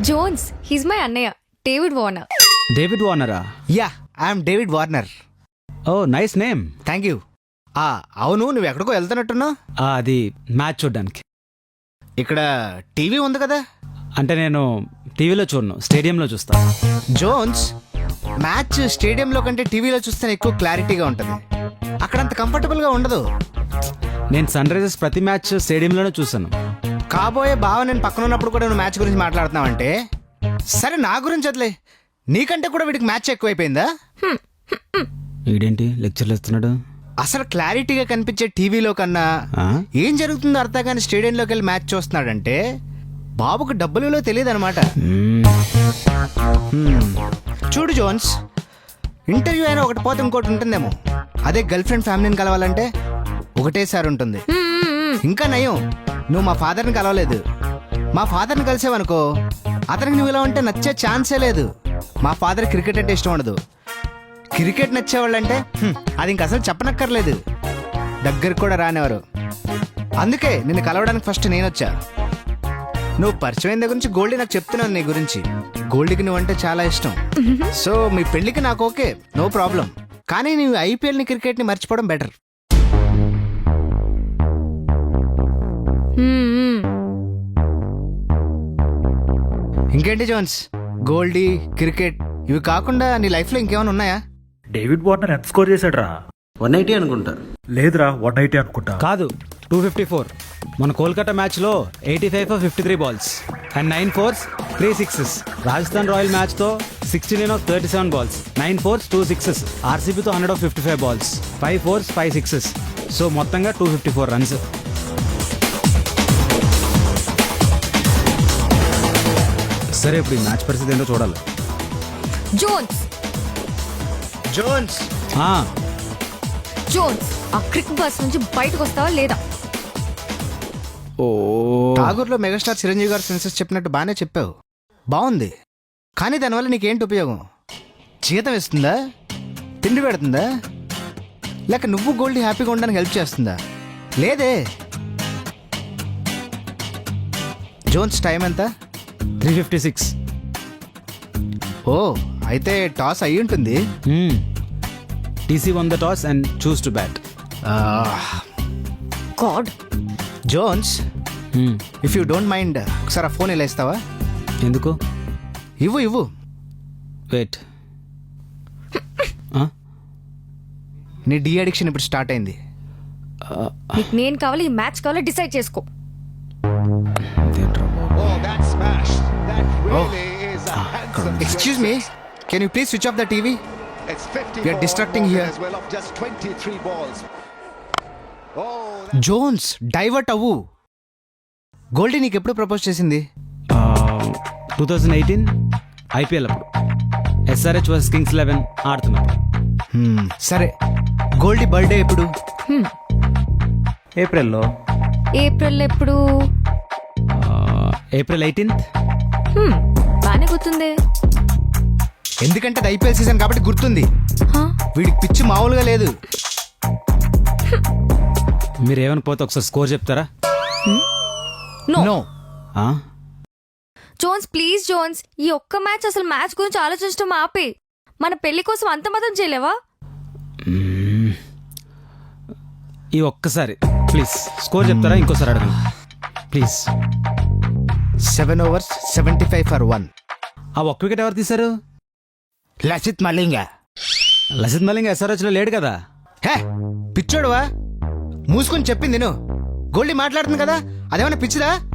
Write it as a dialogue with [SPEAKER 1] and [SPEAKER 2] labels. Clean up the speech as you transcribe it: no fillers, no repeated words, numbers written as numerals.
[SPEAKER 1] Jones, he's my అన్నయ్య, David Warner.
[SPEAKER 2] David వార్నరా?
[SPEAKER 3] Yeah, I'm David Warner.
[SPEAKER 2] Oh nice name.
[SPEAKER 3] Thank you. అవును, నువ్వు ఎక్కడికో వెళ్తున్నట్టున్నావు.
[SPEAKER 2] అది మ్యాచ్ చూడ్డానికి.
[SPEAKER 3] ఇక్కడ టీవీ ఉంది కదా.
[SPEAKER 2] అంటే నేను టీవీలో చూడను, స్టేడియంలో చూస్తా.
[SPEAKER 3] జోన్స్, మ్యాచ్ స్టేడియంలో కంటే టీవీలో చూస్తేనే ఎక్కువ క్లారిటీగా ఉంటుంది. అక్కడంత కంఫర్టబుల్గా ఉండదు.
[SPEAKER 2] నేను సన్ రైజర్స్ ప్రతి మ్యాచ్ స్టేడియంలోనే చూసాను.
[SPEAKER 3] కాబోయే బావ నేను పక్కన ఉన్నప్పుడు కూడా నువ్వు మ్యాచ్ గురించి మాట్లాడుతున్నావంటే సరే, నా గురించి వదిలే. నీకంటే కూడా వీడికి మ్యాచ్ ఎక్కువైపోయిందా?
[SPEAKER 2] వీడేంటి లెక్చర్లు ఇస్తున్నాడు?
[SPEAKER 3] అసలు క్లారిటీగా కనిపించే టీవీలో కన్నా ఏం జరుగుతుందో అర్థం కానీ స్టేడియంలోకి వెళ్ళి మ్యాచ్ చూస్తున్నాడంటే బాబుకు డబ్బులు విలువ తెలియదు అనమాట. చూడు జోన్స్, ఇంటర్వ్యూ అయినా ఒకటి పోతే ఇంకోటి ఉంటుందేమో. అదే గర్ల్ ఫ్రెండ్ ఫ్యామిలీని కలవాలంటే ఒకటేసారి ఉంటుంది. ఇంకా నయం, నువ్వు మా ఫాదర్ని కలవలేదు. మా ఫాదర్ని కలిసేవనుకో అతనికి నువ్వు ఇలా ఉంటే నచ్చే ఛాన్సే లేదు. మా ఫాదర్ క్రికెట్ అంటే ఇష్టం ఉండదు. క్రికెట్ నచ్చేవాళ్ళంటే అది ఇంక అసలు చెప్పనక్కర్లేదు, దగ్గరికి కూడా రానివారు. అందుకే నిన్ను కలవడానికి ఫస్ట్ నేను వచ్చా. నువ్వు పరిచయం దగ్గర నుంచి గోల్డీ నాకు చెప్తున్నాను నీ గురించి. గోల్డీకి నువ్వంటే చాలా ఇష్టం. సో మీ పెళ్లికి నాకు ఓకే, నో ప్రాబ్లం. కానీ నువ్వు ఐపీఎల్ని క్రికెట్ని మర్చిపోవడం బెటర్. ఇంకేంటి జోన్స్, గోల్డీ, క్రికెట్ ఇవి కాకుండా నీ లైఫ్లో ఇంకేమైనా ఉన్నాయా?
[SPEAKER 4] డేవిడ్ వార్నర్ ఎంత స్కోర్ చేశాడు రా?
[SPEAKER 5] 180 అనుకుంటా.
[SPEAKER 4] లేదురా 180 అనుకుంటా.
[SPEAKER 2] కాదు, 254. మన కోల్కతా మ్యాచ్లో 85 for 53 balls and 9 fours 3 sixes. Rajasthan royal మ్యాచ్తో 69 of 37 balls, 9 fours 2 sixes. ఆర్సీబీతో 100 of 55 balls, 5 fours 5 sixes. So మొత్తంగా 254 runs. సరే, ఇప్పుడు ఈ మ్యాచ్ పరిస్థితి ఏంటో చూడాలి.
[SPEAKER 1] జోన్స్,
[SPEAKER 3] జోన్స్,
[SPEAKER 1] జోన్స్, ఆ క్రిక్ బస్ నుంచి బయటకు వస్తావా లేదా?
[SPEAKER 2] ఓ,
[SPEAKER 3] ఠాగూర్లో మెగాస్టార్ చిరంజీవి గారు సెన్సెస్ చెప్పినట్టు బాగానే చెప్పావు, బాగుంది. కానీ దానివల్ల నీకేంటి ఉపయోగం? జీతం ఇస్తుందా? తిండి పెడుతుందా? లేక నువ్వు గోల్డ్ హ్యాపీగా ఉండడానికి హెల్ప్ చేస్తుందా? లేదే. జోన్స్, టైం ఎంత?
[SPEAKER 2] 356.
[SPEAKER 3] ఓ, అయితే టాస్ అయ్యి ఉంటుంది.
[SPEAKER 2] T won the toss and choose to bat.
[SPEAKER 1] God.
[SPEAKER 3] Jones, if you don't mind ఒకసారి ఆ ఫోన్ ఇలా ఇస్తావా?
[SPEAKER 2] ఎందుకు?
[SPEAKER 3] ఇవ్వు.
[SPEAKER 2] వెయిట్.
[SPEAKER 3] నీ డీ అడిక్షన్ ఇప్పుడు స్టార్ట్ అయింది.
[SPEAKER 1] నీకు నేను కావాలి, ఈ మ్యాచ్ కావాలి, డిసైడ్ చేసుకో.
[SPEAKER 3] Excuse me, can you please switch off the TV? We are distracting here. Jones, divert అవ్వు. గోల్డీ నీకు ఎప్పుడు ప్రపోజ్ చేసింది?
[SPEAKER 2] 2018 ఐపీఎల్ అప్పుడు ఎస్ఆర్హెచ్ వర్సెస్ కింగ్స్ 11 ఆడుతున్నప్పుడు.
[SPEAKER 3] సరే, గోల్డీ బర్త్డే ఎప్పుడు?
[SPEAKER 4] ఏప్రిల్లో.
[SPEAKER 1] ఏప్రిల్ ఎప్పుడు?
[SPEAKER 2] April 18th.
[SPEAKER 1] బానే గుర్తుంది.
[SPEAKER 3] ఎందుకంటే అది ఐపీఎల్ సీజన్ కాబట్టి గుర్తుంది. వీడికి పిచ్చి మామూలుగా లేదు.
[SPEAKER 2] మీరు ఏమైనా పోతే ఒకసారి స్కోర్ చెప్తారా?
[SPEAKER 3] నో.
[SPEAKER 1] జోన్స్, ప్లీజ్ జోన్స్, ఈ ఒక్క మ్యాచ్, అసలు మ్యాచ్ గురించి ఆలోచించడం ఆపే. మన పెళ్లి కోసం అంత మాత్రం చేయలేవా?
[SPEAKER 2] ఈ ఒక్కసారి ప్లీజ్ స్కోర్ చెప్తారా? ఇంకోసారి అడగండి ప్లీజ్.
[SPEAKER 3] 7 overs 75 for 1.
[SPEAKER 2] ఆ ఒక్క వికెట్ ఎవరు తీశారు?
[SPEAKER 3] లసిత్ మలింగ.
[SPEAKER 2] లసిత్ మలింగ ఎస్ఆర్హెచ్లో లేడు కదా.
[SPEAKER 3] హే, పిచ్చోడువా? మూసుకొని చెప్పింది నేను. గోల్డీ మాట్లాడుతుంది కదా, అదేమన్నా పిచ్చిదా?